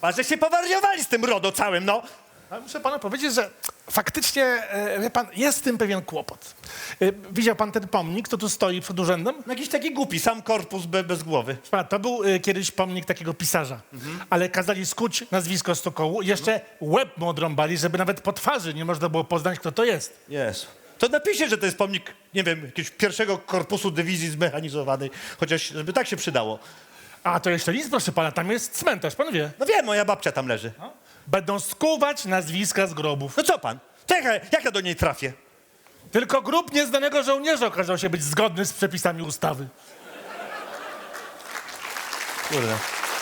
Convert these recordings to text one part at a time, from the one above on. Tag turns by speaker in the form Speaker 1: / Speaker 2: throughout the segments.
Speaker 1: państwa, że się powariowali z tym RODO całym, no.
Speaker 2: Ale muszę panu powiedzieć, że faktycznie, wie pan, jest z tym pewien kłopot. Widział pan ten pomnik, co tu stoi przed urzędem?
Speaker 1: No jakiś taki głupi, sam korpus bez głowy.
Speaker 2: Proszę pana, to był kiedyś pomnik takiego pisarza, ale kazali skuć nazwisko stokołu i jeszcze łeb mu odrąbali, żeby nawet po twarzy nie można było poznać, kto to jest.
Speaker 1: Jest. To napiszcie, że to jest pomnik, nie wiem, jakiegoś pierwszego korpusu dywizji zmechanizowanej, chociaż żeby tak się przydało.
Speaker 2: A to jeszcze nic, proszę pana, tam jest cmentarz, pan wie.
Speaker 1: No wiem, moja babcia tam leży.
Speaker 2: Będą skuwać nazwiska z grobów.
Speaker 1: No co pan? To jak ja do niej trafię?
Speaker 2: Tylko grób nieznanego żołnierza okazał się być zgodny z przepisami ustawy.
Speaker 1: Kurde.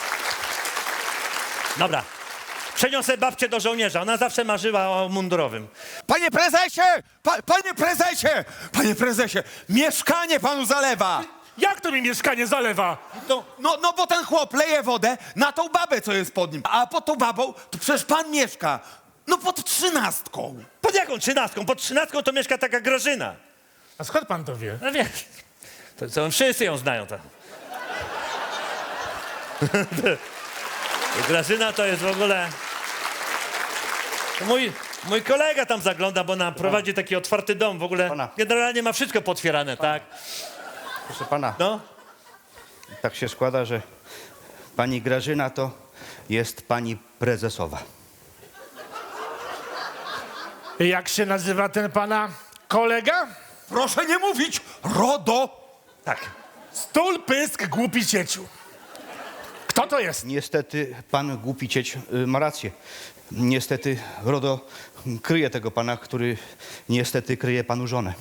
Speaker 1: Dobra. Przeniosę babcię do żołnierza. Ona zawsze marzyła o mundurowym.
Speaker 3: Panie prezesie! Panie prezesie! Panie prezesie! Mieszkanie panu zalewa!
Speaker 2: Jak to mi mieszkanie zalewa?
Speaker 3: No bo ten chłop leje wodę na tą babę, co jest pod nim. A pod tą babą to przecież pan mieszka. No pod 13.
Speaker 1: Pod jaką 13? Pod 13 to mieszka taka Grażyna.
Speaker 2: A skąd pan to wie?
Speaker 1: No wiesz, to wszyscy ją znają. To. Grażyna to jest w ogóle... To mój kolega tam zagląda, bo nam prowadzi taki otwarty dom. W ogóle
Speaker 4: Pana.
Speaker 1: generalnie ma wszystko potwierane, tak?
Speaker 4: Proszę pana,
Speaker 1: No.
Speaker 4: tak się składa, że pani Grażyna to jest pani prezesowa.
Speaker 2: Jak się nazywa ten pana kolega?
Speaker 3: Proszę nie mówić! RODO!
Speaker 1: Tak.
Speaker 2: Stul, pysk, głupi cieciu. Kto to jest?
Speaker 4: Niestety pan głupi cieć ma rację. Niestety RODO kryje tego pana, który niestety kryje panu żonę.